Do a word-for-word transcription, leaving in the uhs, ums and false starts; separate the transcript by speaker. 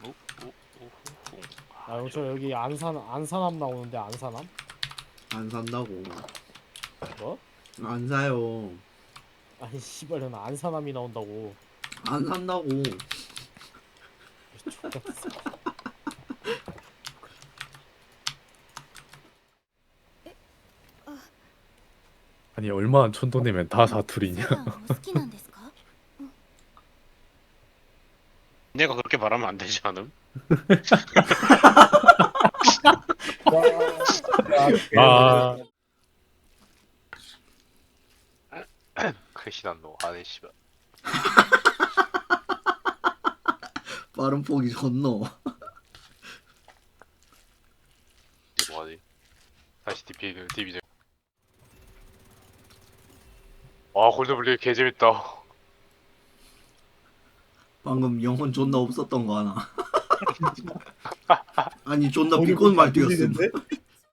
Speaker 1: 오, 오, 오, 오.
Speaker 2: 아, 저 여기 안산 안산함 나오는데 안산함?
Speaker 3: 안 산다고.
Speaker 2: 뭐?
Speaker 3: 안 사요.
Speaker 2: 아니 씨발 난 안산함이 나온다고.
Speaker 3: 안 산다고.
Speaker 2: X같은 새끼.
Speaker 4: 아니 얼마나 촌돈이면 다 사투리냐.
Speaker 5: サザンも好きなんですか？
Speaker 1: 내가 그렇게 말하면 안 되지 않음?
Speaker 4: 아
Speaker 1: 크시단 너 아네 씨발.
Speaker 3: 빠른 폭이 존노.
Speaker 1: 뭐하지? 다시 디피 디비전. 와 골드블리 개 재밌다.
Speaker 3: 방금 영혼 존나 없었던 거 하나. 아니 존나 비꼬는 말투였음.